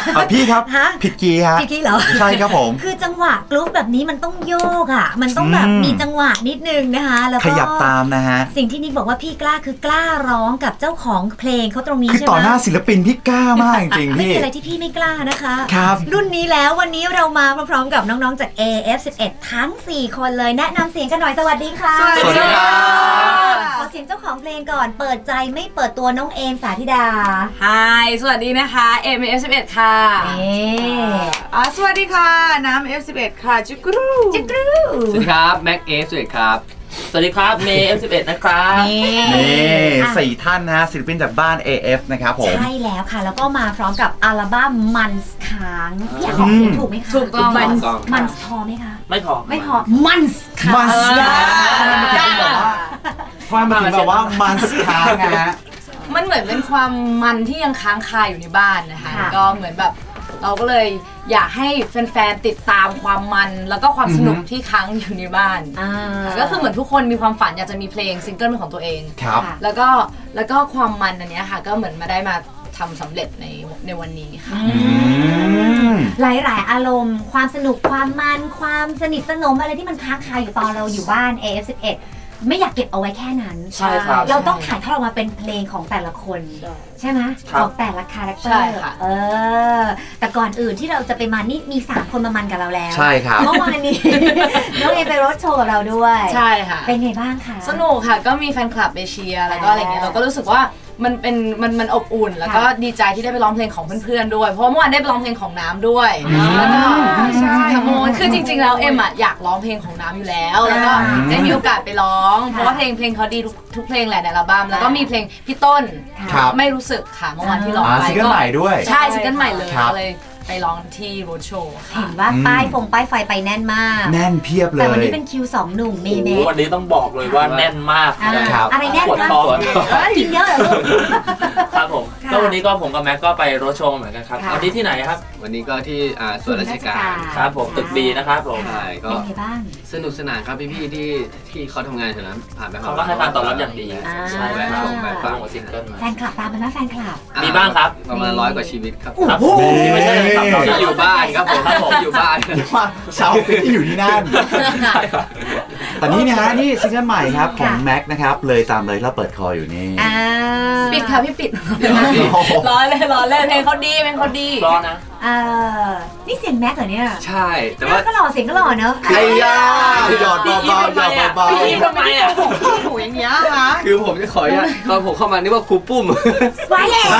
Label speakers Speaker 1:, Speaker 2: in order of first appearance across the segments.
Speaker 1: พี่ครับผิดกีย์ฮะ
Speaker 2: ผิดกีย์เหรอ
Speaker 1: ใช่ครับผม
Speaker 2: คือจังหวะกรุ๊ปแบบนี้มันต้องโยกอ่ะมันต้องแบบมีจังหวะนิดนึงนะคะแล้วก็
Speaker 1: ขยับตามนะฮะ
Speaker 2: สิ่งที่นิกบอกว่าพี่กล้าคือกล้าร้องกับเจ้าของเพลงเขาตรงนี้ใช่ไหม
Speaker 1: คือต่อหน้าศิลปินพี่กล้ามากจริงๆ
Speaker 2: ไม่
Speaker 1: พี่
Speaker 2: มีอะไรที่พี่ไม่กล้านะคะ
Speaker 1: ครับ
Speaker 2: รุ่นนี้แล้ววันนี้เรามาพร้อมๆกับน้องๆจาก AF11 ทั้ง4คนเลยแนะนำเสียงกันหน่อยสวัสดีค่ะ
Speaker 1: สวัสดีครับ
Speaker 2: ขอเสียงเจ้าของเพลงก่อนเปิดใจไม่เปิดตัวน้องเอมสาธิดา
Speaker 3: ฮายสวัสดีนะคะ AF11 ค่ะ
Speaker 4: สวัสดีค่ะน้ำ F11 ค่ะจุกรู
Speaker 2: สวั
Speaker 5: สดีครับแม็ก F11 ครับสวัสดีครับเมย์ F11 นะครับ
Speaker 1: นี่4ท่านนะศิลปินจากบ้าน AF นะครับผม
Speaker 2: ใช่แล้วค่ะแล้วก็มาพร้อมกับอัลบั้มมันส์ค้างพี่อยากบอกเสียงถูกไหมคะ
Speaker 3: ถูกต้อง
Speaker 2: มันส์พอไหมคะ
Speaker 5: ไม่พอ
Speaker 2: มันส์ค้าง
Speaker 1: มันส์ค้างมันแบบว่ามันส์ค้างนะฮะ
Speaker 3: มันเหมือนเป็นความมันที่ยังค้างคาอยู่ในบ้านนะคะก็เหมือนแบบเราก็เลยอยากให้แฟนๆติดตามความมันแล้วก็ความสนุกที่ค้างอยู่ในบ้านก็คือเหมือนทุกคนมีความฝันอยากจะมีเพลงซิงเกิลเป็นของตัวเอง
Speaker 1: ครับ
Speaker 3: แล้วก็ความมันอันนี้ค่ะก็เหมือนมาได้มาทำสำเร็จในวันนี้ค่ะ
Speaker 2: หลายๆอารมณ์ความสนุกความมันความสนิทสนมอะไรที่มันค้างคาอยู่ตอนเราอยู่บ้าน AF11 ไม่อยากเก็บเอาไว้แค่นั้น
Speaker 5: ใช่ครับ
Speaker 2: เราต้องถ่ายทอดออกมาเป็นเพลงของแต่ละคนใช่ไหมของแต่ละคาแรคเตอร์แต่ก่อนอื่นที่เราจะไปมันนี่มี3คนมามันกับเราแล้ว
Speaker 1: ใช่ครับ
Speaker 2: เมื่อวานนี้น้องเอไปรถโชว์กับเราด้วย
Speaker 3: ใช่ค่ะ
Speaker 2: เป็นไงบ้างคะ
Speaker 3: สนุกค่ะก็มีแฟนคลับไปเชียร์แล้วก็อะไรเงี้ยเราก็รู้สึกว่ามันอบอุ่นแล้วก็ดีใจที่ได้ไปร้องเพลงของเพื่อนๆด้วยเพราะเมื่อวานได้ไปร้องเพลงของน้ำด้วยแล้วก็ใช่ค่ะโมคือจริงๆแล้วเอ็มอ่ะอยากร้องเพลงของน้ำอยู่แล้วแล้วก็ได้มีโอกาสไปร้องเพราะว่าเพลงเขาดีทุกเพลงแหละในอัลบั้มแล้วก็มีเพลงพี่ต้นไม่รู้สึกค่ะเมื่อวานที่ร้องไป
Speaker 1: ซิงเกิลใหม่ด้วย
Speaker 3: ใช่ซิงเกิลใหม่เลยไปร้องที่โรดโชว์
Speaker 2: เห็นว่าป้ายไฟไปแน่นมาก
Speaker 1: แน่นเพียบเลย
Speaker 2: แต่วันนี้เป็นคิว2หนุ่มเมย์เม
Speaker 5: วันนี้ต้องบอกเลยว่าแน่นมาก
Speaker 2: อะไรแน่นมากกินเยอะเหรอลูก
Speaker 5: ครับผมก็วันนี้ก็ผมกับแม็กก็ไปโรดโชว์เหมือนกันครับวันนี้ที่ไหนครับ
Speaker 6: วันนี้ก็ที่ส่วนราชการ
Speaker 5: ครับผมตึกดีนะครับผม
Speaker 6: ใช่ก็สนุกสนานครับพี่ๆที่เขาทำงานแถวนั้นผ่านไป
Speaker 5: เขาก็ให้การตอบรับอย่างดี
Speaker 6: ใช่แบบชมแบบฟัง
Speaker 5: ซิงเกิลมา
Speaker 2: แฟนคลับตามไปไหมแฟนคลับ
Speaker 5: มีบ้างครับ
Speaker 6: ประมาณ100 กว่าชีวิตครับ
Speaker 5: ที่ไม่ใช่
Speaker 6: ที่อยู่บ้านครับผมอยู่บ้าน
Speaker 1: ว่าชาวฟิตที่อยู่ที่นั่นแต่นี่นะฮะนี่ซิงเกิลใหม่ครับของแม็กนะครับเลยตามเลยเราเปิดคออยู่นี่
Speaker 3: ปิดค่ะพี่ปิดร้อยเลยเพลงเขาดี
Speaker 5: ร้อนนะ
Speaker 2: นี่เสียงแม็กเหรอเนี่ย
Speaker 6: ใช่แต่ว่า
Speaker 2: ก็หล่อเสียงก็หล่อเนอะ
Speaker 1: ไอ้ย่าหยอดเบาๆหยอดเบา
Speaker 5: ๆพี่ทำไมอ่ะ
Speaker 4: ถูอย่างเงี้ยคะ
Speaker 6: คือผมจะขอตอนผมเข้ามานี่ว่าครูปุ้ม
Speaker 2: ไว้เลย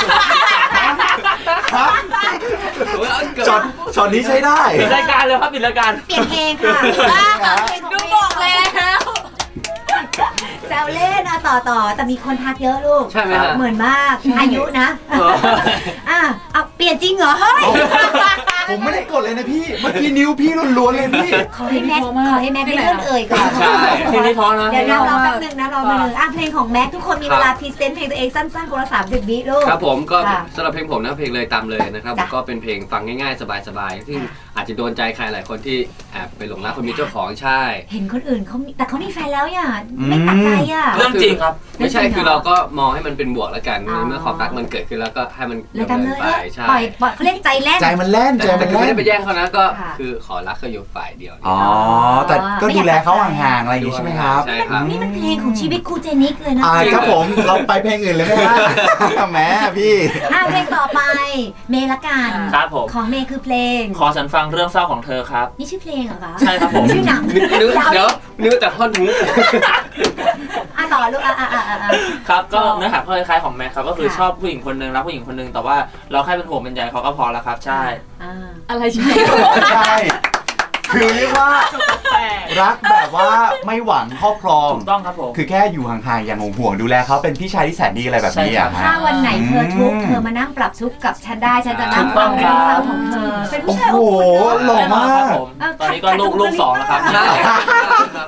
Speaker 1: ช็อตนี้ใช้ได้
Speaker 5: ปิดรายการเลยครับปิดรายการ
Speaker 2: เปลี่ยนเพลงค่ะ
Speaker 3: ดูบอกแล้ว
Speaker 2: แซวเล่นต่อแต่มีคนทักเยอะลูก
Speaker 6: ใช่ไหม
Speaker 2: เหมือนมากอายุนะเอาเปลี่ยนจริงเหรอเฮ้ย
Speaker 1: ผมไม่ได้กดเลยนะพี่เมื่อกี้นิ้วพี่ล้วนๆเลยพี่
Speaker 2: ขอให้แม็กได้เลื่อนเอ่ยก่อน
Speaker 5: ใช่เพลงนี้ท้อนะ
Speaker 2: เดี๋ยวรอแป๊บนึงนะรอมาเลยเพลงของแม็กทุกคนมีเวลาพรีเซนต์เพลงตัวเองสั้นๆคนละ30 วิลูก
Speaker 6: ครับผมก็สำหรับเพลงผมนะเพลงเลยตามเลยนะครับก็เป็นเพลงฟังง่ายๆสบายๆซึ่งอาจจะโดนใจใครหลายคนที่แอบไปหลงรักคนมีเจ้าของใช่
Speaker 2: เห็นคนอื่นแต่เขามีแฟนแล้วอย่าไม่ตัดใจ
Speaker 5: เรื่องจริงครับ
Speaker 6: ไม่ใช่คือเราก็มองให้มันเป็นบวกแล้วกันเมื่อความรักมันเกิดขึ้นแล้วก็ให้มัน
Speaker 2: ดำเนินไปใช่เขาเรียกใจแล่น
Speaker 1: ใจมันแล่น
Speaker 6: แต่ไม่ได้ไปแย่งเขานะก็คือขอรักเขาอยู่ฝ่ายเดียว
Speaker 1: อ๋อแต่ก็ดูแลเขาห่างๆอะไรอย่างนี้ใช่ไหมครับ
Speaker 6: ใช่ครับ
Speaker 2: นี่มันเพลงของชีวิตครูเจนิกเลยนะ
Speaker 1: ครับผมเราไปเพลงอื่นเลยไหมฮะแม่พี่
Speaker 2: เพลงต่อไปเมย์ละกัน
Speaker 5: ครับผม
Speaker 2: ของเมย์คือเพลง
Speaker 5: ขอฉันฟังเรื่องเศร้าของเธอครับ
Speaker 2: นี่ชื่อเพลงเหรอคะ
Speaker 5: ใช่ครับผม
Speaker 2: ชื่อหนัง
Speaker 6: เดี๋ยวนึกแต่ท่อนฮุก
Speaker 2: ต่อลูก
Speaker 5: ครับก็เนื้อหาคล้ายๆของแม็กครับก็คือชอบผู้หญิงคนนึงรักผู้หญิงคนนึงแต่ว่าเราแค่เป็นห่วงเป็นใยเขาก็พอแล้วครับใช่
Speaker 3: อะไรใช่
Speaker 1: ใช่คือเรียกว่ารักแบบว่าไม่หวังครอบครอง
Speaker 5: ถูกต้องครับผม
Speaker 1: คือแค่อยู่ห่างๆอย่างห่วงดูแลเขาเป็นพี่ชายที่แสนดีอะไรแบบนี้อ่ะ
Speaker 2: ถ้าวันไหนเธอทุกข์เธอมานั่งปรับทุกข์กับฉันได้ฉันจะนั่งฟังเรื่องราวของเธอเป็นผู้ชาย
Speaker 1: โอ้โหหล่อมาก
Speaker 5: ตอนนี้ก็ลูก2แล้วครับ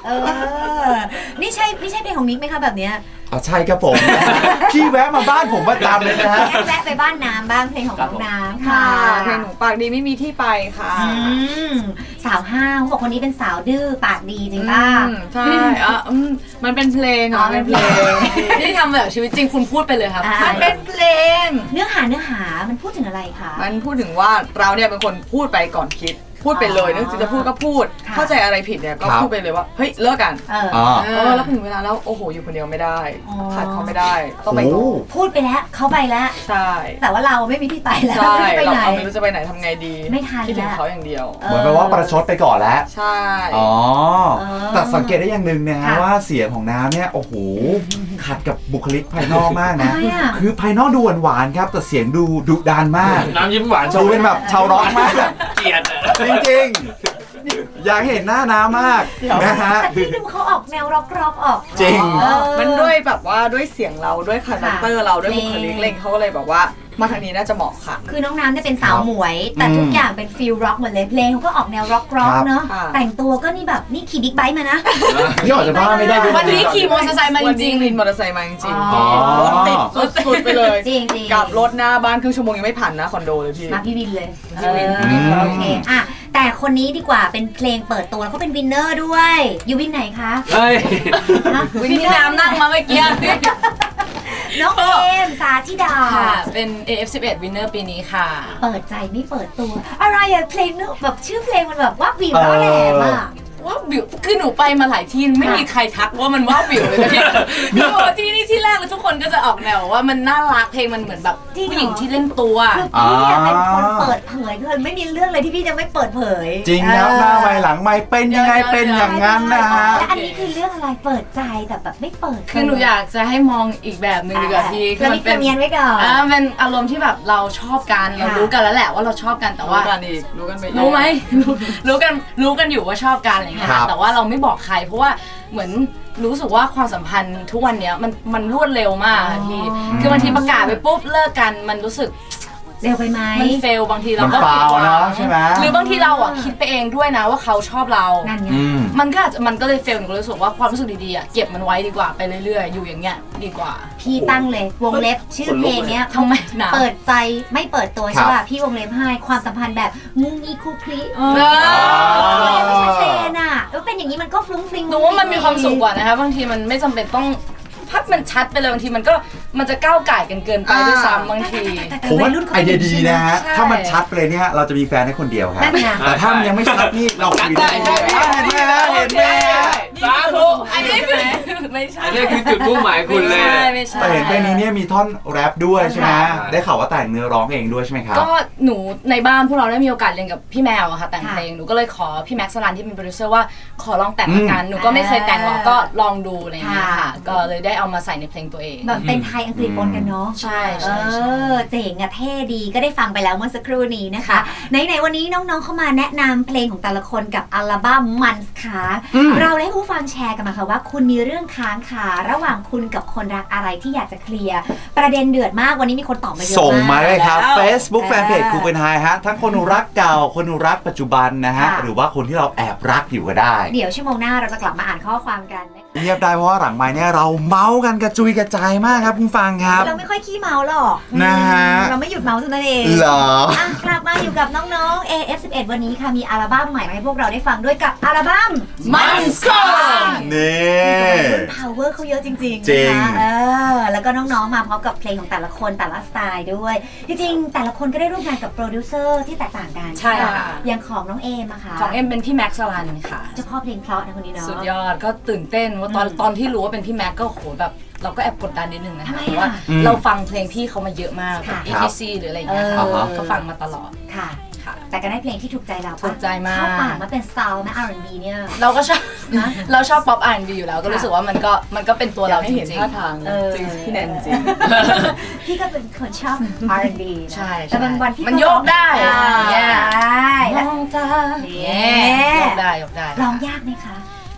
Speaker 2: เออนี่ใช่เพลงของนิกไหมคะแบบเนี้ย
Speaker 1: อ๋อใช่ครับผม พี่แวะมาบ้านผมประจำเลยนะฮะ
Speaker 2: แวะไปบ้านน้ำบ้างเพลงของน้องน้ำ
Speaker 4: ค่ะ
Speaker 2: ค่ะ
Speaker 4: เพลงหนูปากดีไม่มีที่ไปค่ะ
Speaker 2: สาวห้าวเขาบอกคนนี้เป็นสาวดื้อปากดีจริงป่ะ
Speaker 4: ใช่มันเป็นเพลง
Speaker 2: อ๋อ
Speaker 4: เป็นเพลง
Speaker 3: ที่ทำแบบชีวิตจริงคุณพูดไปเลยครับ
Speaker 4: มันเป็นเพลง
Speaker 2: เนื้อหามันพูดถึงอะไรคะ
Speaker 4: มันพูดถึงว่าเราเนี่ยเป็นคนพูดไปก่อนคิด พูดไปเลยนึกจะพูดก็พูด
Speaker 2: ค่ะ
Speaker 4: เข้าใจอะไรผิดเนี่ยก็
Speaker 1: ครับ
Speaker 4: พูดไปเลยว่าเฮ้ยเลิกกัน
Speaker 1: อ๋อ
Speaker 4: แล้วถึงเวลาแล้วโอ้โหอยู่คนเดียวไม่ได้
Speaker 2: อ๋อ
Speaker 4: ขาดเขาไม่ได้ต้องไปต่อ
Speaker 1: โอ้
Speaker 2: พูดไปแล้วเขาไปแล้ว
Speaker 4: ใช่
Speaker 2: แต่ว่าเราไม่มีที่ไปแล้ว
Speaker 4: ใช่
Speaker 2: ไม่รู้จะไป
Speaker 4: เรา
Speaker 2: ไหน
Speaker 4: ไม่รู้จะไปไหนทำไงดี
Speaker 2: ไม่ทัน
Speaker 4: คิดถึง
Speaker 2: แล้ว
Speaker 4: เขาอย่างเดียว
Speaker 1: เหมือนแปลว่าประชดไปก่อนแล้ว
Speaker 4: ใช่
Speaker 1: อ๋อ
Speaker 2: เออ
Speaker 1: แต่สังเกตได้อย่างหนึ่งนะฮะ
Speaker 2: ค่ะ
Speaker 1: ว่าเสียงของน้ำเนี่ยโอ้โหขัดกับบุคลิกภายนอกมากนะ
Speaker 2: ทำไมอะ
Speaker 1: คือภายนอกดูหวานๆครับ แต่เสียงดูดุดันมาก
Speaker 5: น้ำยิ้มหวาน
Speaker 1: ดูเป็นแบบชาวร็อกมาก
Speaker 5: เกลียดอะ
Speaker 1: จริงๆ อยากเห็นหน้าน้ำมากนะฮะ
Speaker 2: แต่พี่ดูเขาออกแนวร็อกออก
Speaker 1: จริง
Speaker 2: เออ
Speaker 4: มันด้วยแบบว่าด้วยเสียงเราด้วยคาแรคเตอร์เราด้วยบุคลิก
Speaker 2: เพลง
Speaker 4: เล่นเขาก็เลยแบบว่ามาทางนี้น่าจะเหมาะค่ะ
Speaker 2: คือน้องน้ำเนี่ยเป็นสาวหมวย แต่
Speaker 1: อืม
Speaker 2: ทุกอย่างเป็นฟิลร็อกหมดเลยเพลงเขาก็ออกแนวร็อก
Speaker 1: ครับ
Speaker 2: เนาะ
Speaker 4: ค่ะ
Speaker 2: แต่งตัวก็นี่แบบนี่ขี่บิ๊กไบค์มานะ
Speaker 1: นี่ออกจากบ้านไม่ได้ด้วย
Speaker 3: วันนี้ขี่มอเตอร์ไซค์มาจ
Speaker 4: วัน
Speaker 3: ริ
Speaker 4: นี้
Speaker 3: ง
Speaker 4: วินมอเตอร์ไซค์มาจริง
Speaker 2: อ๋อ
Speaker 4: ๆรถติดสุดๆไปเลย
Speaker 2: จริงจริง
Speaker 4: กลับรถหน้าบ้านครึ่งชั่วโมงยังไม่ผ่านนะคอนโดเลยพี่
Speaker 2: มาพี่วินเลย
Speaker 4: พี่วิน
Speaker 2: โอเคอ่ะแต่คนนี้ดีกว่าเป็นเพลงเปิดตัวแล้วเขาเป็นวินเนอร์ด้วยอยู่วินไหนคะ
Speaker 6: เฮ้ย
Speaker 2: ฮะ
Speaker 3: วินที่น้ำนั่งมาเมื่อกี้
Speaker 2: น้องเอมสาธิดา
Speaker 3: ค่ะ เป็น AF11 Winner ปีนี้ค่ะ
Speaker 2: เปิดใจไม่เปิดตัว อะไรอะเพลงนึกแบบชื่อเพลงมันแบบว่าวิวแล้วแหลมอะ
Speaker 3: ว่าวิวคือหนูไปมาหลายที่ไม่มีใครทักว่ามันว่าวิวเลยนะพี่หนูบอกว่าที่นี่ที่แรกเลยทุกคนก็จะออกแนวว่ามันน่ารักเพลงมันเหมือนแบบผู้หญิงที่เล่นตัว
Speaker 2: คือพี่อะเป็นคนเปิดเผยคือไม่มีเรื่องเลยที่พี่จะไม่เปิดเผย
Speaker 1: จริงครับหน้าไม้หลังไม้เป็นยังไงเป็นอย่างนั้นนะฮะ
Speaker 2: และอันนี้คือเรื่องอะไรเปิดใจแต่แบบไม่เปิด
Speaker 3: คือหนูอยากจะให้มองอีกแบบหนึ่งดีกว่าพี่
Speaker 2: คือมันเป็นเนียนไว้ก่อน
Speaker 3: เป็นอารมณ์ที่แบบเราชอบกันเรารู้กันแล้วแหละว่าเราชอบกันแต่ว่า
Speaker 4: รู้กันอีกรู้กันไปอีก
Speaker 3: รู้ไหม รู้กันอยู่ว่าชอบกันอะไรเงี้ย
Speaker 1: ครับ
Speaker 3: แต่ว่าเราไม่บอกใคร เพราะว่าเหมือนรู้สึกว่าความสัมพันธ์ทุกวันเนี้ยมันรวดเร็วมากอะพี่คือบางทีประกาศไปปุ๊บเลิกกันมันรู้สึก
Speaker 2: เร็วไปไหม
Speaker 3: มันเฟลบางทีเรา
Speaker 1: มัน
Speaker 3: ก็
Speaker 1: ฟา
Speaker 3: ผิด
Speaker 1: ว
Speaker 3: หวัง
Speaker 1: เนาะใช่ไหม
Speaker 3: หรือบางทีเราอ่ะคิดไปเองด้วยนะว่าเขาชอบเรา
Speaker 2: นั่นไง
Speaker 1: อืม
Speaker 3: มันก็อาจจะมันก็เลยเฟลหนูก็เลยรู้สึกว่าความรู้สึกดีๆอ่ะเก็บมันไว้ดีกว่าไปเรื่อยๆอยู่อย่างเงี้ยดีกว่า
Speaker 2: พี่ตั้งเลยวงเล็บชื่อเพลงเนี้ย
Speaker 3: ทำไมหนา
Speaker 2: เปิดใจไม่เปิดตัว
Speaker 1: ครั
Speaker 2: ใช่
Speaker 1: บ
Speaker 2: ป่ะพี่วงเล็บให้ความสัมพันธ์แบบมุ้งงี้คุกคลี
Speaker 1: อ
Speaker 2: ไม่ชัดเจนอ่ะแล้วเป็นอย่างนี้มันก็ฟลุ้งฟลิง
Speaker 3: หนูว่ามันมีความสุขกว่านะคะบางทีมันไม่จำเป็นต้องพัดมันชัดไปเลยบางทีมันจะก้าวไก่กันเกินไปด้วยซ้ำบางที
Speaker 1: ผมว่าไอเดียดีนะฮะ
Speaker 3: ใช่
Speaker 1: ถ้ามันชัดไปเลยเนี่ยเราจะมีแฟนให้คนเดียวครับ
Speaker 2: นั่นไง
Speaker 1: แต่ถ้ามันยังไม่ชัดนี่เราคุยได้
Speaker 6: ได้
Speaker 1: เห็นไหมฮะเห็นไหมฮะ
Speaker 5: สาธุ
Speaker 3: อันนี้คือไม่ใช่
Speaker 6: อันนี้คือจุดมุ่งหมายคุณเลย
Speaker 3: ไม่ใช่
Speaker 1: แต่เห็นเพลงนี้เนี่ยมีท่อนแรปด้วยใช่ไหม
Speaker 6: ใช่
Speaker 1: ได้ข่าวว่าแต่งเนื้อร้องเองด้วยใช่ไหมครับ
Speaker 3: ก็หนูในบ้านพวกเราได้มีโอกาสเรียนกับพี่แมวอะค่ะแต่งเพลงหนูก็เลยขอพี่แม็กซ์สลันที่เป็นโปรดิวเซอร์ว่าขอลองแต่งละกันหนูก็ไม่เคยแต่งหรอกก็ลองดูอะไรอย่างเงี้ยค่ะก็เลยได้เอามาใส่ในเพลงตัวเอง
Speaker 2: แบบเป็นไทยอังกฤษปนกันเนาะ
Speaker 3: ใช่
Speaker 2: เอ
Speaker 3: ใช่ใช่
Speaker 2: อเจ๋งอะเท่ดีก็ได้ฟังไปแล้วเมื่อสักครู่นี้นะคะ ไหนๆวันนี้น้องๆเข้ามาแนะนำเพลงของแต่ละคนกับอัลบั้มมันส์ค่ะเราได้ผู้ฟังแชร์กันมาค่ะว่าคุณมีเรื่องค้างคาระหว่างคุณกับคนรักอะไรที่อยากจะเคลียร์ประเด็นเดือดมากวันนี้มีคนตอบมาเยอะมาก
Speaker 1: ส่งมาเลยครับ
Speaker 2: แล้ว
Speaker 1: Facebook Fanpage คูเป็นไฮฮะ ทั้งคนรักเก่า คนรักปัจจุบันนะฮะ
Speaker 2: ค่ะ
Speaker 1: หรือว่าคนที่เราแอบรักอยู่ก็ได้
Speaker 2: เดี๋ยวชั่วโมงหน้าเราจะกลับมาอ่านข้อความกันนะคะ
Speaker 1: เงียบได้เพราะว่าหลังไม้เนี่ยเราเมาส์กันกระจุยกระจายมากครับคุณฟังครับ
Speaker 2: เราไม่ค่อยขี้เมาหรอก
Speaker 1: นะฮะ
Speaker 2: เราไม่หยุดเมาเท่านั้นเอง
Speaker 1: เหรอ
Speaker 2: อ่ะกลับมาอยู่กับน้องๆ AF11 วันนี้ค่ะมีอัลบั้มใหม่มาให้พวกเราได้ฟังด้วยกับอัลบั้ม
Speaker 3: มันส์ก่อน
Speaker 1: นี่
Speaker 2: power เขาเยอะจริงๆ
Speaker 1: จริง
Speaker 2: นะคะแล้วก็น้องๆมาพร้อมกับเพลงของแต่ละคนแต่ละสไตล์ด้วย จริงๆแต่ละคนก็ได้ร่วมงานกับโปรดิวเซอร์ที่แตกต่างกัน
Speaker 3: ใช่ค่ะ
Speaker 2: อย่างของน้องเอมอะค่ะ
Speaker 3: ของเอ็มเป็นพี่แม็กซ์สลันค่ะ
Speaker 2: เจ้าพ่อเพลงเพราะนะคนนี้เนาะ
Speaker 3: สุดยอดก็ตื่นเต้นว่าตอนที่รู้ว่าเป็นพี่แม็กก็โหแบบเราก็แอบกดดันนิดนึงนะ
Speaker 2: ทำ
Speaker 3: คะ
Speaker 2: ไม
Speaker 3: เพราะว่า
Speaker 2: อ่ะ
Speaker 3: เราฟังเพลงพี่เขามาเยอะมาก
Speaker 2: ค่ะ
Speaker 3: ETC หรืออะไรอย่างเงี้ยค่ะ
Speaker 2: เออ
Speaker 3: ก็ฟังมาตลอด
Speaker 2: ค่ะ
Speaker 3: ค่ะ
Speaker 2: แต่ก็ได้เพลงที่ถูกใจเราปะ
Speaker 3: ถูกใจมาก
Speaker 2: เข้าปากมาเป็นสไตล์นะ R&B เนี่ย
Speaker 3: เราก็ชอบ
Speaker 2: นะ
Speaker 3: เราชอบป๊อป R&B อยู่แล้วก็รู้สึกว่ามันก็เป็นตัว
Speaker 4: อยา
Speaker 3: เรา
Speaker 4: กให้
Speaker 3: จ
Speaker 4: เห็น
Speaker 3: ริง
Speaker 4: ท่าทาง
Speaker 2: เออ
Speaker 4: จริงพี่แนนจริง
Speaker 2: พี่ก็เป็นคนชอบ R&B นะ
Speaker 3: ใช่
Speaker 2: แต่บางวันพี่
Speaker 3: มันโยกได้
Speaker 2: อ่า
Speaker 3: เนี่ย
Speaker 2: ได้
Speaker 3: มองตา
Speaker 2: เนี่
Speaker 3: เนี่ย ยกได้
Speaker 2: ร้องยากไหมคะ
Speaker 3: ก็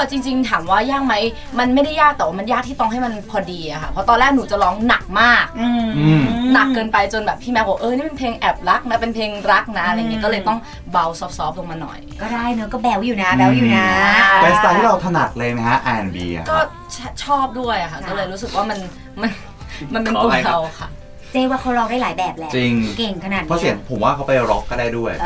Speaker 3: จริงๆถามว่ายากไหมมันไม่ได้ยากแต่ว่ามันยากที่ต้องให้มันพอดีอะค่ะเพราะตอนแรกหนูจะร้องหนักมากหนักเกินไปจนแบบพี่แม็กบอกนี่เป็นเพลงแอบรักนะเป็นเพลงรักนะอะไรเงี้ยก็เลยต้องเบาซอฟต์ๆลงมาหน่อย
Speaker 2: ก็ได้เนอะก็แบวอยู่นะแบวอยู่นะ
Speaker 1: เป็นสไตล์ที่เราถนัดเลยไหมฮะ R&B อะ
Speaker 3: ก็ชอบด้วยอะค่ะก็เลยรู้สึกว่ามันเป็นตัวเราค่ะ
Speaker 2: เจ๊ว่าเขาร้องได้หลายแบบแหละ
Speaker 1: จริง
Speaker 2: เก่งขนาด
Speaker 1: เพราะเสียงผมว่าเขาไปร็อกก็ได้ด้วย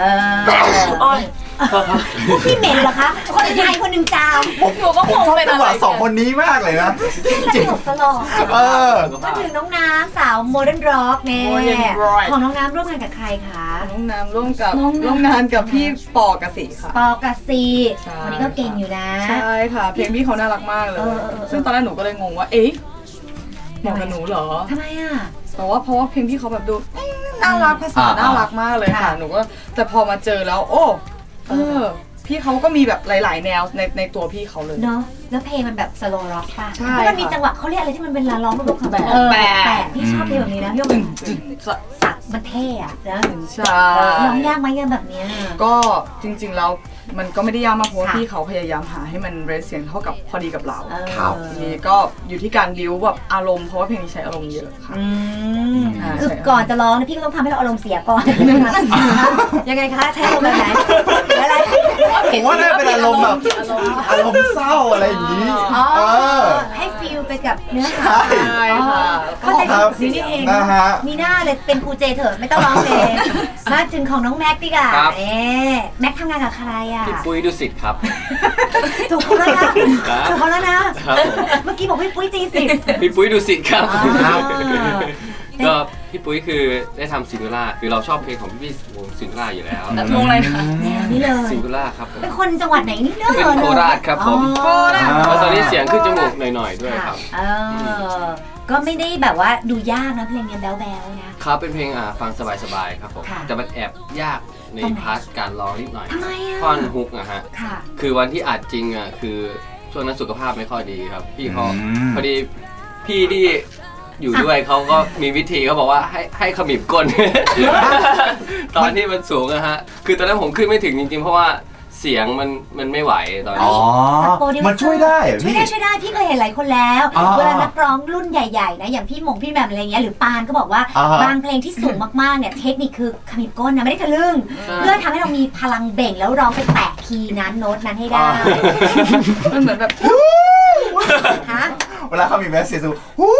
Speaker 2: พี่เหม็นเหรอคะคนไทยคนหนึ่งจาม
Speaker 3: หนูก็
Speaker 1: ผม
Speaker 3: คง
Speaker 1: ชอบ
Speaker 3: เป็น
Speaker 1: จัง
Speaker 3: อะ
Speaker 1: ห
Speaker 3: ไร
Speaker 1: วะสองคนนี้มากเลยนะ
Speaker 2: ตลกตลก
Speaker 1: เออ
Speaker 2: มาถึงน้องน้ำสาวโมเดิร์นร็อกเนี่ย
Speaker 4: Modern Rock
Speaker 2: ของน้องน้ำร่วมงานกับใครคะ
Speaker 4: น้องน้ำร่วมกับ
Speaker 2: น้องน้ำ
Speaker 4: ร่วมงานกับพี่ปอกสิค่ะ
Speaker 2: ปอกระซี
Speaker 4: ใช่
Speaker 2: คนนี้ก็เก่งอยู่นะ
Speaker 4: ใช่ค่ะ เพลงพี่เขาน่ารักมากเลย ซึ่งตอนแรกหนูก็เลยงงว่า เอ๊ะเหมาะกับหนูเหรอ
Speaker 2: ทำไมอ่ะ
Speaker 4: แต่ว่าเพราะว่าเพลงพี่เขาแบบดูน่ารักภาษาน่ารักมากเลยค่ะ
Speaker 2: ค่ะ
Speaker 4: หนูก็แต่พอมาเจอแล้ว โอ้พี่เขาก็มีแบบหลาย ๆ แนวในตัวพี่เขาเลย
Speaker 2: เนาะแล้วเพลงมันแบบสโลว์ร็อกป่ะ
Speaker 4: ใช่
Speaker 2: แล้วมันมี
Speaker 4: ค่ะ
Speaker 2: จังหวะเขาเรียกอะไรที่มันเป็นลาร้องแบบ
Speaker 4: แปะ
Speaker 2: แปะพี่ชอบเพลงแบบนี้นะพี่ว่ามันสักมันเท่อะนะ
Speaker 4: ใช่
Speaker 2: ร้องยากไหมกันแบบเนี้ย
Speaker 4: ก็จริง ๆ แล้วมันก็ไม่ได้ยากมากเพราะว่า
Speaker 2: ค่ะ
Speaker 4: พี่เขาพยายามหาให้มันเรสเสียงเท่ากับพอดีกับเรา
Speaker 1: ครับ
Speaker 4: ทีนี้ก็อยู่ที่การบิ้วแบบอารมณ์เพราะว่าเพลงนี้ใช้อารมณ์เยอะค่ะ
Speaker 2: อืม
Speaker 4: อ่า
Speaker 2: คือ
Speaker 4: ใช่
Speaker 2: ก่อนจะร้องนะพี่ก็ต้องทำให้เราอารมณ์เสียก่อนยังไงคะใช้อารมณ์แบบไหนอะไร
Speaker 1: ผมว่าน่าเป็นอารมณ์แบบอารมณ์เศร้าอะไรอย่างนี้
Speaker 2: อ๋อ
Speaker 1: เออ
Speaker 2: ให้ฟิลไปกับเนื้อหา
Speaker 4: ใช่ค่ะ
Speaker 2: เข้าใจ
Speaker 1: ครับ
Speaker 2: สิ่งนี้เอง
Speaker 1: นะฮะ
Speaker 2: มีหน้าเลยเป็นครูเจเถอะไม่ต้องร้องเพลงมาถึงของน้องแม็กดีกว่า
Speaker 6: ครับ
Speaker 2: แม็กทำงานกับใครอ่ะ
Speaker 6: พี่ปุ้ยดุสิตครับ
Speaker 2: ถูกคนแล้วนะ
Speaker 6: ครับ
Speaker 2: ถูกคนแล้วนะ
Speaker 6: ครับผม
Speaker 2: เมื่อกี้บอกพี่ปุ้ยจีสิบ
Speaker 6: พี่ปุ้ยดุสิตครับ
Speaker 2: อ๋อ
Speaker 6: ก็พี่ปุ้ยคือได้ทำซิงเกิลล่าคือเราชอบเพลงของพี่วงซิงเกิลล่าอยู่แล้ว
Speaker 3: แล้ววงอะไรนะ
Speaker 2: แนวนี้เลย
Speaker 6: ซิงเกิลล่าครับผม
Speaker 2: เป็นคนจังหวัดไหนนี่เนอะ
Speaker 6: เป็นโคราชครับผม
Speaker 2: โคราช
Speaker 6: แล้วตอนนี้เสียงขึ้นจมูกหน่อยๆด้วยครับ
Speaker 2: เออก็ไม่ได้แบบว่าดูยากนะเพลงเนี้ยแบ๊วๆนะครับ
Speaker 6: เป็นเพลงฟังสบายๆครับผม
Speaker 2: ค่ะ
Speaker 6: แต่มันแอบยากใน
Speaker 2: ตรงไหน
Speaker 6: พาร์ทการร้องนิดหน่อย
Speaker 2: ทำไมอ่ะ
Speaker 6: ท่อนฮุกนะฮะ
Speaker 2: ค่ะ
Speaker 6: คือวันที่อัดจริงอ่ะคือช่วงนั้นสุขภาพไม่ค่อยดีครับ พี่เขาพอดีพี่ที่อยู่ด้วยเขาก็มีวิธีเขาบอกว่าให้ขมิบก้น ตอนที่มันสูงอะฮะคือตอนนั้นผมขึ้นไม่ถึงจริงๆ เพราะว่าเสียงมันไม่ไหวตอน
Speaker 1: อ๋
Speaker 6: นี้
Speaker 1: อ
Speaker 2: โปรดิวเซอร์
Speaker 1: มันช่วยได้เหรอ
Speaker 2: ช่วย
Speaker 1: พี่
Speaker 2: ได้ช่วยได้พี่เคยเห็นหลายคนแล้ว
Speaker 1: อ๋อ
Speaker 2: เวลานักร้องรุ่นใหญ่ๆนะอย่างพี่หมงพี่แหม่มอะไรเงี้ยหรือปานก็บอกว่า
Speaker 1: อ่าฮะ
Speaker 2: บางเพลงที่สูงมากๆเนี่ยเทคนิคคือขมิบก้นนะไม่ได้ทะลึ่ง
Speaker 6: ใช่
Speaker 2: เพื่อทำให้เรามีพลังเบ่งแล้วร้องไปแตะคีย์นั้นโน้ตนั้นให้ได้
Speaker 4: มันเหมือนแบบ
Speaker 2: ฮะ
Speaker 1: เวลาเขามีแมสเซจฮู้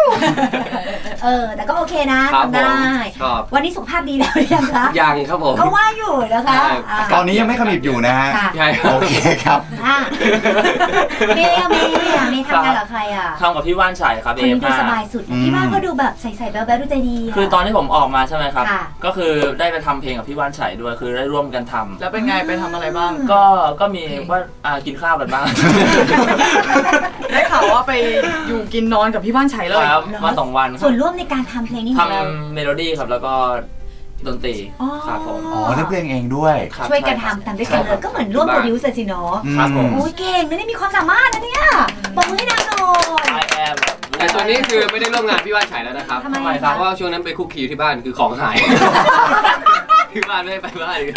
Speaker 2: แต่ก็โอเคนะครับ ทำ
Speaker 6: ผม
Speaker 2: ได้
Speaker 6: ชอบ
Speaker 2: วันนี้สุขภาพดีแล้วหรือยังคะ
Speaker 6: ยังครับผม
Speaker 2: ก็ว่าอยู่นะคะ
Speaker 6: ใช่
Speaker 1: ตอนนี้ยังไม่ขมิบอยู่นะฮะ
Speaker 2: ค่ะ
Speaker 6: ใช่ครับ
Speaker 1: โอเคครับ
Speaker 2: อ่ะเมย์ทำงานกับใครอ่ะ
Speaker 5: ทำกับพี่ว่านชัยครับ
Speaker 2: คนนี้ดู
Speaker 5: AF5
Speaker 2: สบายสุดนะพี่ว่าก็ดูแบบใส่ๆแบ๊วๆดูใจดีะ
Speaker 5: คือตอนที่ผมออกมาใช่ไหมครับ
Speaker 2: ค่ะ
Speaker 5: ก็คือได้ไปทำเพลงกับพี่ว่านชัยด้วยคือได้ร่วมกันทำ
Speaker 4: แล้วเป็นไงไปทำอะไรบ้าง
Speaker 5: ก็มีว่ากินข้าวกันบ้าง
Speaker 4: ได้ข่าวว่าไปอยู่กินนอนกับพี่บ้านชัยเลย
Speaker 5: ครับมา2 วันค
Speaker 2: ส่
Speaker 5: รั
Speaker 2: ว
Speaker 5: บ
Speaker 2: นร่วมในการทำเพลงนี้
Speaker 5: ท
Speaker 2: ของเรา
Speaker 5: ำเมโลดี้ครับแล้วก็ดนตรีครับผม
Speaker 1: อ๋อเล่นเพลงเองด้วย
Speaker 5: ครับ
Speaker 2: ช่วยกัน
Speaker 5: ใครับ
Speaker 2: ทำด้วยกันเลยก็เหมือนร่วมโปรดิวเซอร์สิเนาะ
Speaker 5: ครับผม
Speaker 2: โอ้ยเก่งนะเนี่ยมีความสามารถนะเนี่ยบอกมือให้นางหน่อย
Speaker 5: I am
Speaker 6: แต่ตอนนี้คือไม่ได้ร่วมงานพี่ว่านชัยแล้วนะครับ
Speaker 2: ทำไม
Speaker 6: เพราะว่าช่วงนั้นไปคุกคีอยู่ที่บ้านคือของหาย ที่บ้านไม่ได้ไปบ้านเลย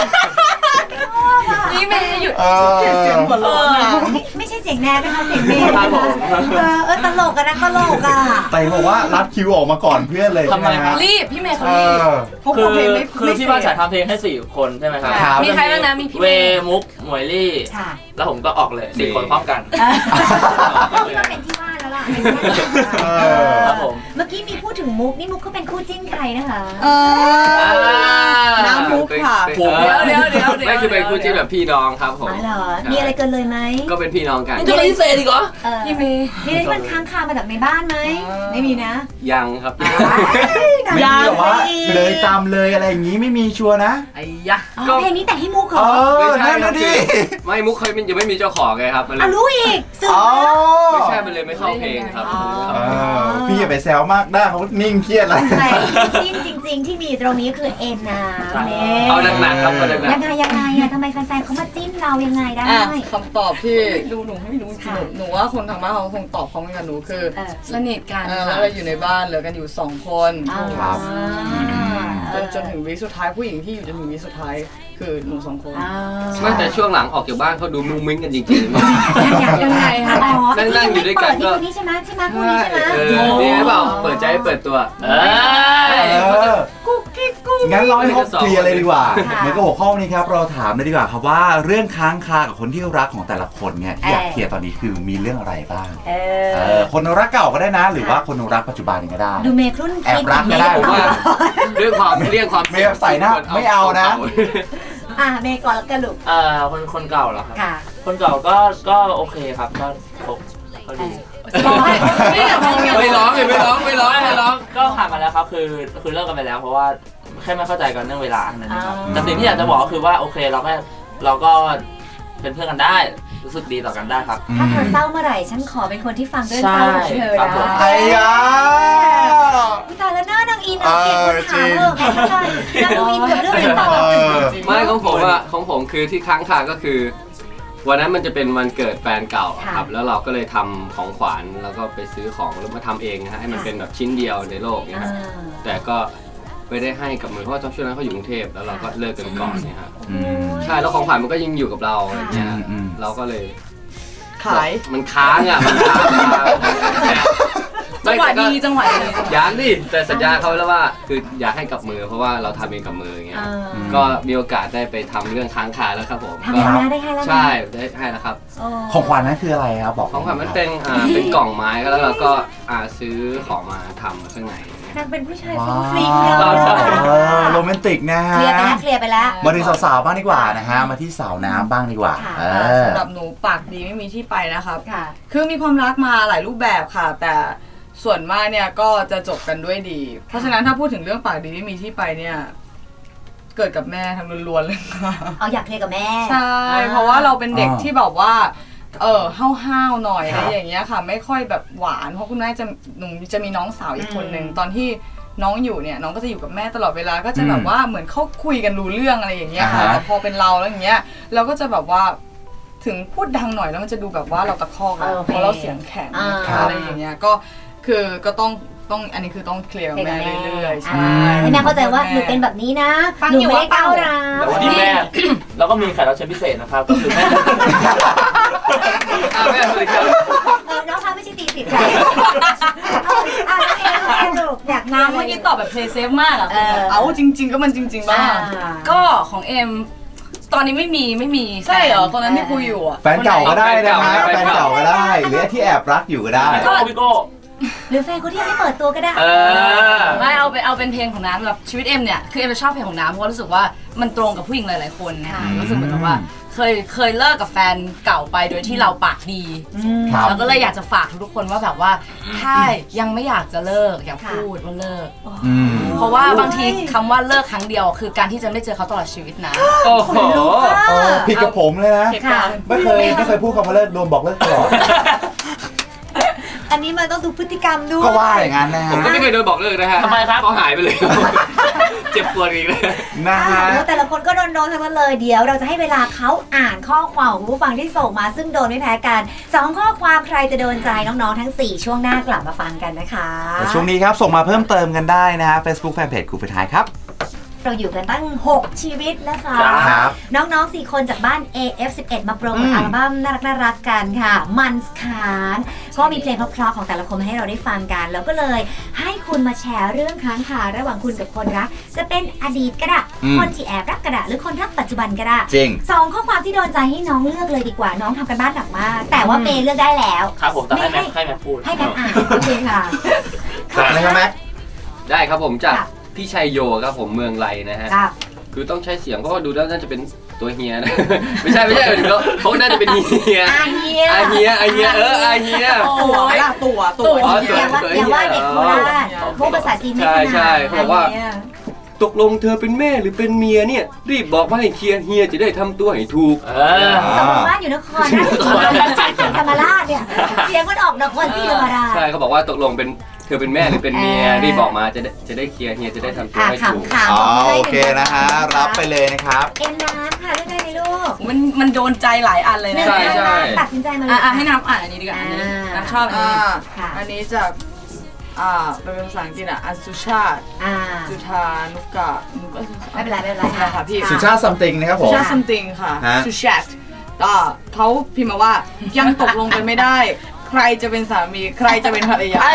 Speaker 3: นี่เมย์หยุด
Speaker 1: เออ
Speaker 4: เสียงหัวเราะอะ
Speaker 2: ไม่ใช่เสียงแนนนะคะเสียงเมย์
Speaker 5: ครับผม
Speaker 2: ตลกอะนะตลกอะ
Speaker 1: แต่บอกว่ารัดคิวออกมาก่อนเพื่อนเลย
Speaker 5: ทำไม
Speaker 1: ใช่หฮะ
Speaker 3: รีบพี่เมย์เขา
Speaker 1: เอ
Speaker 3: รีบ
Speaker 1: อ
Speaker 4: เขา
Speaker 5: คื
Speaker 4: บอก
Speaker 5: อ
Speaker 4: เพลงไม่
Speaker 5: คือพี่ว่านชัยทำเพลงให้4 คนใช่ไหมครับ
Speaker 1: ครับ
Speaker 3: มีใครบ้างนะมีพี่
Speaker 5: เว
Speaker 3: เมย์
Speaker 5: มุกหมวยลี่
Speaker 2: ค่ะ
Speaker 5: แล้วผมก็ออกเลย4 คนพร้อมกัน
Speaker 2: ที่ว่าเป็นที่ว่าแล้วล่ะ
Speaker 1: เออ
Speaker 5: ครับผม
Speaker 2: เมื่อกี้มีพูดถึงมุกนี่มุกก็เป็นคู่จิ้นใครนะคะ
Speaker 4: น้ำมุกค่ะ
Speaker 6: ผม
Speaker 3: เดี๋ยว
Speaker 6: ไม่คือเป็นคู่จิ้นแบบพี่น้องครับผม
Speaker 2: อ๋อเหรอมีอะไรเกินเลยไหม
Speaker 6: ก็เป็นพี่น้องกัน
Speaker 5: นี่จะไม่เซดีกเหรอ
Speaker 3: พี่เมย์
Speaker 2: มีอะไรที่มันค้างคามาจากในบ้านไหมไม่มีนะ
Speaker 6: ยังครับ
Speaker 1: ไม่มีแบบว่าเลยตามเลยอะไรอย่างนี้ไม่มีชัวร์นะ
Speaker 4: ไอ้ยะ
Speaker 2: อ๋อเพลงนี้แต่งให้มุกเหร
Speaker 1: เอ
Speaker 2: อ
Speaker 1: อนั่นน่ะดิ
Speaker 6: ไม่มุกเคยมันยังไม่มีเจ้าของไงครับมันเลย
Speaker 2: รู้อีกสื่อ
Speaker 1: อ๋อ
Speaker 6: ไม่ใช่มันเลยไม่เข้าเพลงองครับ
Speaker 1: พี่อย่าไปแซวมากได้เขานิ่งเครียดแล้ว
Speaker 2: แต่จิ้นจริง ๆ ที่มีตรงนี้คือเอ็นนะเนี่ย
Speaker 6: เอาหนักๆครับเอาหนัก
Speaker 2: ยังไงอะทำไมแฟนๆเขามาจิ้นเรายังไงได้
Speaker 4: คำตอบที่หนูไม่รู้จริงๆหนูว่าคนทางบ้านเขาคงตอบพร้อมกันกับหนูคือ
Speaker 3: สนิทกัน
Speaker 4: แล้วเราอยู่ในบ้านเหลือกันอยู่2 คน
Speaker 1: ครับ
Speaker 4: จนถึงวีคสุดท้ายผู้หญิงที่อยู่จนถึงวีคสุดท้ายคือหนู2 คน
Speaker 6: ๆไม่แต่ช่วงหลังออกจากบ้านเขาดูมุ้งมิ้งกันจริงๆ
Speaker 3: ยังไงคะ
Speaker 6: นั่งอยู่ด้วยกันก็
Speaker 2: นี่ใช่ไหมใช่ไหมคู่นี้ใช่ไหม
Speaker 6: นี่หรือเปล่าเปิดใจเปิดตัว
Speaker 1: งั้นเราให้เขาเคลียร์เลยดีกว่า
Speaker 2: ค่ะ
Speaker 1: เหมือนกับหัวข้อนี้ครับเราถามเลยดีกว่าครับว่าเรื่องค้างคากับคนที่รักของแต่ละคนเนี่ยที่อยากเคลียร์ตอนนี้คือมีเรื่องอะไรบ้างคนรักเก่าก็ได้นะ หรือว่าคนรักปัจจุบันก็ได้
Speaker 2: ดูเมย์ครุ่น
Speaker 1: แอบรักก็ได้
Speaker 6: ผมว่าเรื่องความเรียกความ
Speaker 1: ไม่ใส่หน้าไม่เอานะ
Speaker 2: เมย์ก่อนแล้วกันลูก
Speaker 5: คนเก่าเหรอครับ
Speaker 2: ค่ะ
Speaker 5: คนเก่าก็โอเคครับก็ดี
Speaker 6: ไม่ร้องเลยไม่ร้อง
Speaker 5: ก็ผ่านมาแล้วครับคือเลิกกันไปแล้วเพราะว่าแค่ไม่เข้าใจกันเรื่องเวลานั่นเองครับแต่สิ่งที่อยากจะบอกก็คือว่าโอเคเราก็เป็นเพื่อนกันได้รู้สึกดีต่อกันได้ครับ
Speaker 2: ถ้าเธอเศร้าเมื่อไหร่ฉันขอเป็นคนที่ฟังเรื่องเศร้าของเธอ
Speaker 5: ครับผม
Speaker 2: นะ
Speaker 1: ไอ้ยา
Speaker 2: ตายแล้วหน้านางอินเปลี่ยนคนถามเถอะแม่ค่ะนางอินกับเรื่องนี้ต่อ
Speaker 6: ไม่ของผมคือที่ค้างคาก็คือ วันนั้นมันจะเป็นวันเกิดแฟนเก่าครับแล้วเราก็เลยทำของขวัญแล้วก็ไปซื้อของแล้วมาทำเองนะฮะให้มันเป็นแบบชิ้นเดียวในโลกเนี่ยฮะแต่ก็ไม่ได้ให้กับมือเพราะว่าช่วงนั้นเขาอยู่กรุงเทพแล้วเราก็เลิกกันก่อนเนี่ยฮะใช่แล้วของขวัญมันก็ยังอยู่กับเราอะไรเงี้ยเราก็เลย
Speaker 4: ขาย
Speaker 6: มันค้างอ่ะมันค้าง
Speaker 3: จังหวะดีจังหวะดี
Speaker 6: อยากดิแต่สัญญาเขาแล้วว่าคืออยากให้กับมือเพราะว่าเราทำเองกับมืออย่างเงี้ยก็มีโอกาสได้ไปทำเรื่องค้างคาแล้วครับผม
Speaker 2: ทำแล้วได้ให้แล้ว
Speaker 6: ใช่ได้ให้แล้วครับ
Speaker 1: ของขวัญนั้นคืออะไรครับบอก
Speaker 6: ของขวัญมันเป็นเป็นกล่องไม้แล้วเราก็ซื้อของมาทำข้างใน
Speaker 2: นางเป็นผู้ชายฟุ้งฟริ้งเยอะ
Speaker 1: โรแมนติกนะฮะ
Speaker 2: เคลียร์ไปแล้ว
Speaker 1: มาถึงสาวๆบ้างดีกว่านะฮะมาที่สาวน้ำบ้างดีกว่า
Speaker 4: สำหรับหนูปากดีไม่มีที่ไปนะครับ
Speaker 2: ค่ะ
Speaker 4: คือมีความรักมาหลายรูปแบบค่ะ แต่ส่วนมากเนี่ยก็จะจบกันด้วยดี เพราะฉะนั้นถ้าพูดถึงเรื่องปากดีไม่มีที่ไปเนี่ยเกิดกับแม่ทั้งล้วนๆเลยค่ะ
Speaker 2: เอาอยากเคลียร์กับแม่
Speaker 4: ใช่เพราะว่าเราเป็นเด็กที่แบบว่าห้าวๆหน่อยอะไรอย่างเงี้ยค่ะ ไม่ค่อยแบบหวานเพราะคุณแม่หนูจะมีน้องสาวอีกคนนึงตอนที่น้องอยู่เนี่ยน้องก็จะอยู่กับแม่ตลอดเวลาก็จะแบบว่าเหมือนเขาคุยกันรู้เรื่องอะไรอย่างเงี้ยค่ะแต่พอเป็นเราแล้วอย่างเงี้ยเราก็จะแบบว่าถึงพูดดังหน่อยแล้วมันจะดูแบบว่าเราตะคอกเพราะเราเสียงแข็งอะไรอย่างเงี้ยก็ต้องอันนี้คือต้องเคลียร์กับแม่เรื่อยๆใช่
Speaker 2: ให้แม่เข้าใจว่าหนูเป็นแบบนี้นะหนูไม่ได้ก้าวร้าว
Speaker 5: แต่วันนี้แม่แล้วก็มีแขกรับเชิญพิเศษนะครับก็คือแม่
Speaker 6: แม่สวัสดีครับ
Speaker 2: น้องคะไม่ใช่ตีติดใจลูกอยาก
Speaker 3: น้ำเมื่อกี้ตอบแบบเพลย์เซฟมากอ่ะ
Speaker 4: เอาจริงๆก็มันจริงๆบ้าง
Speaker 3: ก็ของเอ็มตอนนี้ไม่มี
Speaker 4: ใช่เหรอตอนนั้นที่คุยอยู่อ่ะ
Speaker 1: แฟนเก่าก็ได้นะฮะแฟนเก่าก็ได้หรือที่แอบรักอยู่ก็ได้
Speaker 5: พี่โก้
Speaker 2: หรือแฟนคนที่ยังไม่เปิดตัวก็ได้
Speaker 3: ไม่เอาเป็นเพลงของน้ำแบบชีวิตเอ็มเนี่ยคือเอ็มจะชอบเพลงของน้ำเพราะรู้สึกว่ามันตรงกับผู้หญิงหลายๆคนนะคะรู้สึกเหมือนกับว่าเคยเลิกกับแฟนเก่าไปโดยที่เราปากดีแล้วก็เลยอยากจะฝากทุกคนว่าแบบว่าถ้ายังไม่อยากจะเลิกอย่าพูดว่าเลิกเพราะว่าบางทีคำว่าเลิกครั้งเดียวคือการที่จะไม่เจอเขาตลอดชีวิตนะ
Speaker 6: โอ้โห
Speaker 1: ผิดกับผมเลยนะไม่เคยพูดคำว่าเลิกโดนบอกเลิกตลอด
Speaker 2: อันนี้มันต้องดูพฤติกรรมด้วย
Speaker 1: ก็ว่าอย่างนั้นนะฮะ
Speaker 6: ผมก็ไม่เคยโดนบอกเลิกนะฮะ
Speaker 5: ทำไมครับ
Speaker 6: เขาหายไปเลย เจ็บปวดอีกเลย
Speaker 1: นะฮะ
Speaker 2: แต่ละคนก็โดนทั้งนั้นเลยเดี๋ยวเราจะให้เวลาเขาอ่านข้อความของผู้ฟังที่ส่งมาซึ่งโดนไม่แพ้กัน2ข้อความใครจะโดนใจน้องๆทั้ง4ช่วงหน้ากลับมาฟังกันนะคะ
Speaker 1: ช่วงนี้ครับส่งมาเพิ่มเติมกันได้นะฮะ Facebook Fanpage ครูฝึกท้ายครับ
Speaker 2: เราอยู่กันตั้ง6ชีวิตนะคะ
Speaker 1: ครับ
Speaker 2: น้องๆ4คนจากบ้าน AF11 มาโปรโมทอัลบั้มน่ารักกันค่ะมันส์คานก็มีเพลงเพราะๆของแต่ละคนมาให้เราได้ฟังกันแล้วก็เลยให้คุณมาแชร์เรื่องค้างคาระหว่างคุณกับคนรักจะเป็นอดีตก็ได้คนที่แอบรักก็ได้หรือคนรักปัจจุบันก็ได้
Speaker 1: จริง
Speaker 2: 2ข้อความที่โดนใจให้น้องเลือกเลยดีกว่าน้องทำกันบ้านหนักมากแต่ว่าเมย์เลือกได้แล้ว
Speaker 5: ครับผมแต่ให้แม็กพูด
Speaker 2: ให้แม็กอ่านโอเคค่ะ
Speaker 1: อะไรครับแม็ก
Speaker 6: ได้ครับผมจากพี่ชัยโยครับผมเมืองไรนะฮะ
Speaker 2: ครับ
Speaker 6: คือต้องใช้เสียงเพราะว่าดูแล้วน่าจะเป็นตัวเฮียนะ ไม่ใช่เขาน่าจะเป็นเฮีย
Speaker 2: อาเฮีย
Speaker 6: อาเฮียอาเฮียอาเฮีย
Speaker 4: ตัวล่ะตัว
Speaker 6: อ๋อ
Speaker 2: อย่าว่าเด็กโคราชพูดภาษาจีนไม่ถนัด
Speaker 6: ใช่เขาบอกว่าตกลงเธอเป็นแม่หรือเป็นเมียเนี่ยรีบบอกมาให้เคลียร์เฮียจะได้ทำตัวให้ถูก
Speaker 2: ตกลงบ้านอยู่นครราชสีธรรมราชเนี่ยเสียงมันออกนครศรีธรรมราช
Speaker 6: ใช่เขาบอกว่าตกลงเป็นเธอเป็นแม่หรือเป็นเมียรีบบอกมาจะได้เคลียร์เฮียจะได้ทำตัวให้ถูก
Speaker 2: ขำ
Speaker 1: อ๋อโอเคนะฮะรับไปเลยนะครับ
Speaker 2: เอ็มน้ำค่ะเรื่องอะไรลูก
Speaker 4: มันโดนใจหลายอันเลยนะ
Speaker 6: ใช่ใช่
Speaker 2: ตัดสินใจมาเลย
Speaker 4: ให้น้ำอ่านอันนี้ดีกว่าอันนี้น้ำชอบอันนี้
Speaker 2: ค่ะ
Speaker 4: อันนี้จากเป็นภาษาอังกฤษอันสุชาติจุธานุกะ
Speaker 2: ไม่เป็นไร
Speaker 4: ค่ะพี่
Speaker 1: สุชาติ something นะครับผม
Speaker 4: สุชาติ something ค่ะ
Speaker 1: ฮะ
Speaker 4: สุชาติเขาพิมพ์มาว่ายังตกลงกันไม่ได้ ใครจะเป็นสามีใครจะเป็นภรรยา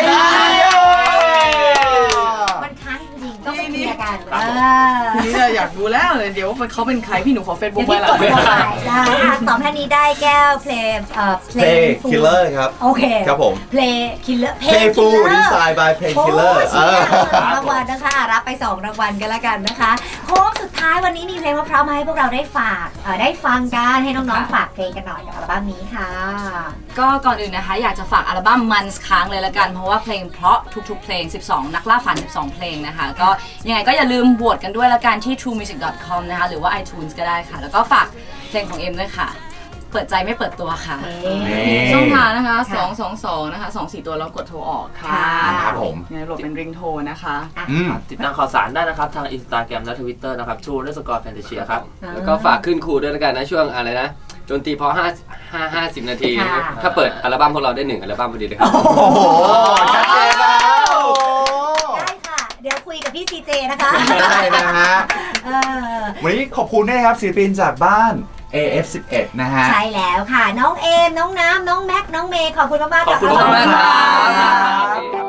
Speaker 2: มันค้างจริงๆต้องไปเคลียร์กัน
Speaker 4: ทีนี้เราอยากดูแล้วเลยเดี๋ยวว่าเขาเป็นใครพี่หนูขอเฟซบุ๊ก
Speaker 2: เดี๋ยว
Speaker 4: ไว้
Speaker 2: พี่
Speaker 4: ละ
Speaker 2: กดเข้าไปได้สองท่านนี้ได้แก้วเพลง
Speaker 1: Play Killer ครับ
Speaker 2: โอเค
Speaker 1: ครับผม
Speaker 2: Play Killer
Speaker 1: Playful Design by Play
Speaker 2: โอ้
Speaker 1: Killer
Speaker 2: ยรางวัลนะคะรับไป2รางวัลกันแล้วกันนะคะโค้งสุดท้ายวันนี้มีเพลงมะพร้าวมาให้พวกเราได้ฝากได้ฟังกันให้น้องๆฝากเพลงกันหน่อยกับอัลบั้มนี้ค่ะ
Speaker 3: ก็ก่อนอื่นนะคะอยากจะฝากอัลบั้มมันค้างเลยละกันเพราะว่าเพลงเพราะทุกๆเพลง12นักล่าฝัน12เพลงนะคะก็ยังไงก็อย่าลืมโหวตกันด้วยละกันที่ truemusic.com นะคะหรือว่า iTunes ก็ได้ค่ะแล้วก็ฝากเพลงของเอ็มด้วยค่ะเปิดใจไม่เปิดตัวค่ะ
Speaker 4: ช่องทางนะคะ222นะคะ24ตัวแล้วกดโทรออกค่ะ
Speaker 1: ครับผม
Speaker 4: เนี่ยโหลดเป็นริงโทรนะคะ
Speaker 5: ติดตามข่าวสารได้นะครับทาง Instagram และ Twitter นะครับ true_fantasia ครับ
Speaker 6: แล้วก็ฝากขึ้นครูด้วยแล้วกันนะช่วงอะไรนะจนตีพอ50 นาทีนะครับถ้าเปิดอัลบั้มพวกเราได้1อัลบั้มพอดีเลยครับ
Speaker 1: โอ้โหชัดเจนแล้ว
Speaker 2: ได้ค่ะ เดี๋ยวคุยกับพี่ซีเจนะคะ
Speaker 1: ได้นะฮะ
Speaker 2: เออ
Speaker 1: วันนี้ขอบคุณด้วยนะครับศิลปินจากบ้าน AF11 นะฮะ
Speaker 2: ใช่แล้วค่ะ น้องเอม น้องน้ำ น้องแม็ก น้องเมย์ ขอบคุณมากๆ
Speaker 5: ขอบคุณ
Speaker 2: กั
Speaker 5: มากๆครับ
Speaker 2: ได้